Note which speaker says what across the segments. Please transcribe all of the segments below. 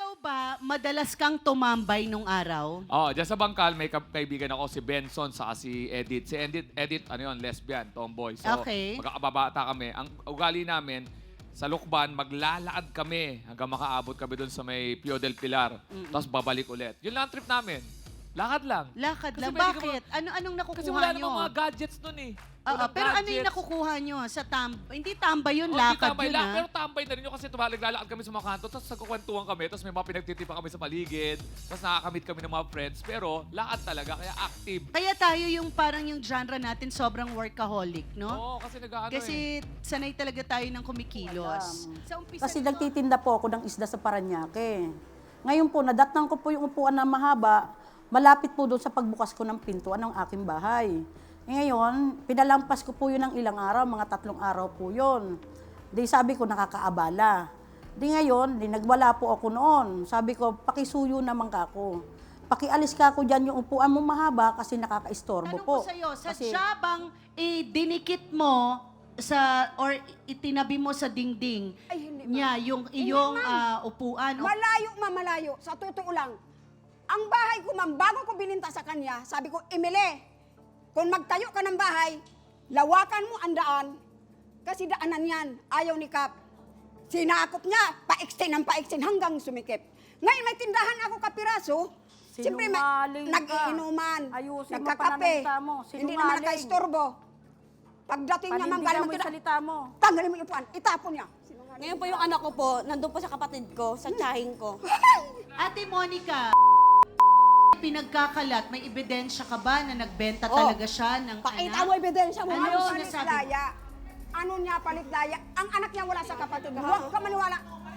Speaker 1: Ikaw ba, madalas kang tumambay nung araw?
Speaker 2: Oh, dyan sa Bangkal, may kaibigan ako si Benson sa si Edith. Si Edith, ano yun, lesbian, tomboy. So,
Speaker 1: Okay.
Speaker 2: magkakababata kami. Ang ugali namin, sa Lukban, maglalakad kami hanggang makaabot kami doon sa may Pio del Pilar. Tapos babalik ulit. Yun lang ang trip namin. Lakad lang.
Speaker 1: Lakad
Speaker 2: Kasi
Speaker 1: lang.
Speaker 2: pwede ka
Speaker 1: Bakit? Anong nakukuha
Speaker 2: Kasi wala
Speaker 1: nyo?
Speaker 2: namang mga gadgets nun eh.
Speaker 1: Oo,
Speaker 2: Walang
Speaker 1: pero ano yung
Speaker 2: gadgets.
Speaker 1: nakukuha nyo? Sa hindi tambay yun,
Speaker 2: Oh, hindi
Speaker 1: lakad
Speaker 2: tambay
Speaker 1: yun
Speaker 2: lang,
Speaker 1: ha?
Speaker 2: pero tambay na rin yun kasi naglalakad kami sa mga kanto, tapos nagkukwentuhan kami, tapos may mga pinagtitipa kami sa paligid, tapos nakakamit kami ng mga friends, pero lakad talaga, kaya active.
Speaker 1: Kaya tayo yung parang yung genre natin sobrang workaholic, no?
Speaker 2: Oo, kasi nag-ano
Speaker 1: Kasi sanay talaga tayo ng kumikilos. Sa umpisa
Speaker 3: Kasi
Speaker 1: nito-
Speaker 3: nagtitinda po ako ng isda sa Paranaque. Ngayon po, nadatnan ko po yung upuan na mahaba, malapit po doon sa pagbukas ko ng pintuan ng aking bahay. Ngayon, pinalampas ko po yun ng ilang araw, mga 3 araw po yun. Di sabi ko, nakakaabala. Di ngayon, di nagwala po ako noon. Sabi ko, pakisuyo naman ka ako. Pakialis ka ako dyan yung upuan mo mahaba kasi nakakaistorbo
Speaker 1: Tanong
Speaker 3: po.
Speaker 1: ko sa'yo, sa
Speaker 3: Kasi-
Speaker 1: bang dinikit mo or itinabi mo sa dingding
Speaker 4: Ay, hindi,
Speaker 1: niya yung
Speaker 4: Hindi,
Speaker 1: iyong
Speaker 4: ma'am.
Speaker 1: upuan?
Speaker 4: Malayo, ma'am, malayo. Sa totoo lang. Ang bahay ko, ma'am, bago ko bininta sa kanya, sabi ko, Emile, kung magtayo ka ng bahay, lawakan mo ang daan. Kasi daanan yan, ayaw ni Kap. Sinakop niya, paiksin ng paiksin hanggang sumikip. Ngayon may tindahan ako kapiraso, siyempre
Speaker 3: Sinungaling ka.
Speaker 4: nag-iinuman,
Speaker 3: Ayusin mo
Speaker 4: nagkakape,
Speaker 3: pananalita mo.
Speaker 4: hindi naman
Speaker 3: Sinungaling.
Speaker 4: nakaistorbo. Pagdating niya, ma'am,
Speaker 3: Panindigan
Speaker 4: galing
Speaker 3: mo yung
Speaker 4: magkita,
Speaker 3: salita mo.
Speaker 4: tanggalin mo yung upuan, itapon niya.
Speaker 5: Ngayon po yung anak ko po, nandun po sa kapatid ko, sa tiyahing ko.
Speaker 1: Ate Monica, pinagkakalat, may ebidensya ka ba na nagbenta
Speaker 4: Oh.
Speaker 1: talaga siya ng
Speaker 4: Pakita
Speaker 1: anak?
Speaker 4: mo ebidensya mo.
Speaker 1: Ano
Speaker 4: Ano
Speaker 1: yung
Speaker 4: palit
Speaker 1: sinasabi?
Speaker 4: laya? Ano niya palit laya? Ang anak niya wala sa kapatid. Huwag ka maniwala.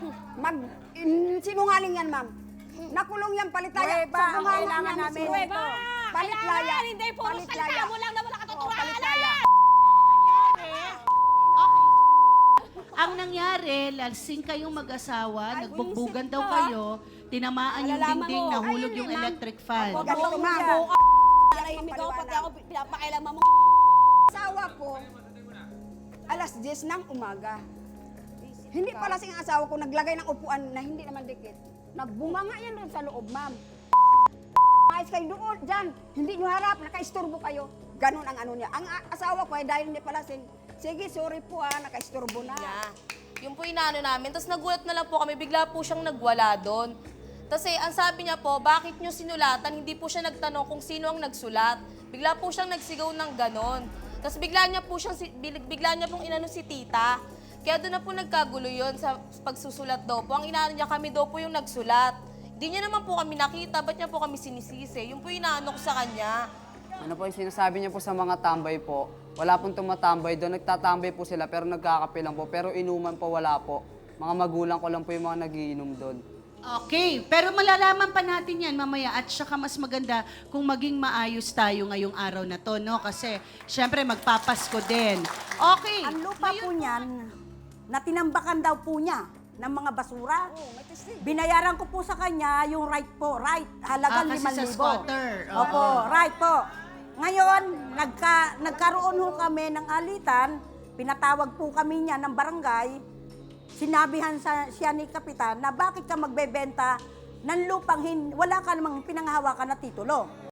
Speaker 4: Sinungaling yan, ma'am. Nakulong yan palit laya.
Speaker 3: Prueba, ang
Speaker 4: bunganga
Speaker 3: kailangan
Speaker 4: niya,
Speaker 3: namin.
Speaker 4: prueba. Palit laya.
Speaker 5: Hindi, puro
Speaker 4: Palit
Speaker 5: salita
Speaker 4: laya.
Speaker 5: mo lang na wala
Speaker 4: Oo,
Speaker 5: katotohanan.
Speaker 4: palit laya.
Speaker 1: Ang nangyari, lasing kayong mag-asawa,
Speaker 4: Ay,
Speaker 1: nagbugbugan
Speaker 4: buisit
Speaker 1: daw
Speaker 4: ka.
Speaker 1: kayo, tinamaan yung
Speaker 5: Malalaman
Speaker 1: dingding,
Speaker 5: mo.
Speaker 1: nahulog
Speaker 4: Ayun
Speaker 1: yung
Speaker 4: eh, ma'am.
Speaker 1: electric fan.
Speaker 4: Ganito, ma'am.
Speaker 5: Narahimik ako, pati ako pinapakailaman mo.
Speaker 4: Asawa ko, alas 10 ng umaga. Hindi pala sing asawa ko naglagay ng upuan na hindi naman dikit. Nagbunganga yan doon sa loob, ma'am. Ayos kayo doon, dyan. Hindi nyo harap, nakaisturbo kayo. Ganon ang ano niya. Ang asawa ko ay dahil hindi pala sing, sige, sorry po nakaisturbo na.
Speaker 5: Yung po inaano namin, tapos nagulat na lang po kami, bigla po siyang nagwala doon. Tapos ang sabi niya po, bakit niyo sinulatan? Hindi po siya nagtanong kung sino ang nagsulat. Bigla po siyang nagsigaw ng ganon. Tapos bigla niya pong inano si tita. Kaya doon na po nagkagulo yun sa pagsusulat daw po. Ang inaano niya, kami daw po yung nagsulat. Hindi niya naman po kami nakita, ba't niya po kami sinisisi? Yung po inaano ko sa kanya.
Speaker 6: Ano po yung sinasabi niya po sa mga tambay po? Wala pong tumatambay doon. Nagtatambay po sila pero nagkakape lang po. Pero inuman po wala po. Mga magulang ko lang po yung mga nagiinom doon.
Speaker 1: Okay, pero malalaman pa natin yan mamaya at saka mas maganda kung maging maayos tayo ngayong araw na to, no? Kasi, syempre, magpapasko din. Okay.
Speaker 3: Ang lupa po niyan, na tinambakan daw po niya ng mga basura. Binayaran ko po sa kanya yung right po, right, halagang
Speaker 1: kasi sa
Speaker 3: 5,000.
Speaker 1: squatter.
Speaker 3: Opo, right po. Ngayon, nagkaroon ho kami ng alitan, pinatawag po kami niya ng barangay, sinabihan siya ni Kapitan na bakit ka magbebenta ng lupang wala ka namang pinanghahawakan na titulo.